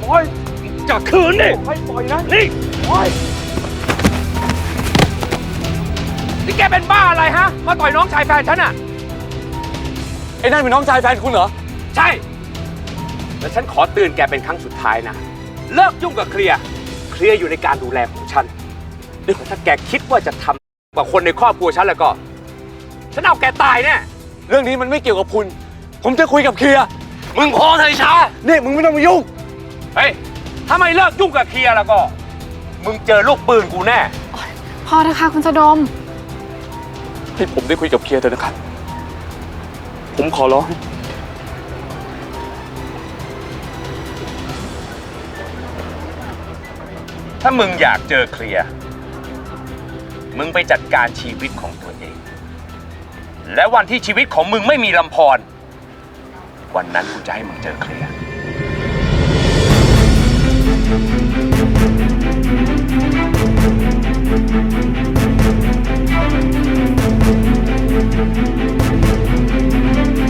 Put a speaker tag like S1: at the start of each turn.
S1: ปล่อยจะคืนนี่ปล่อยนะนี่ปล่อยนี่แกเป็นบ้าอะไรฮะมาต่อยน้องชายแฟนฉันอะไอ้นั่นเป็นน้องชายแฟนคุณเหรอใช่แล้วฉันขอเตือนแกเป็นครั้งสุดท้ายนะเลิกยุ่งกับเคลียร์อยู่ในการดูแลของฉันถ้าแกคิดว่าจะทำกับคนในครอบครัวฉันแล้วก็ฉันเอาแกตายแน่เรื่องนี้มันไม่เกี่ยวกับคุณผมจะคุยกับเคลียร์มึงพอเถอะช้าเนี่ยมึงไม่ต้องมายุ่งเฮ้ยถ้าไม่เลิกยุ่งกับเคลียร์แล้วก็มึงเจอลูกปืนกูแน่
S2: พอเถอะค่ะคุณสะดม
S1: ให้ผมได้คุยกับเคลียร์เถอะนะครับผมขอร้องถ้ามึงอยากเจอเคลียร์มึงไปจัดการชีวิตของตัวเองและวันที่ชีวิตของมึงไม่มีลำพรวันนั้นกูจะให้มึงเจอเคลียร์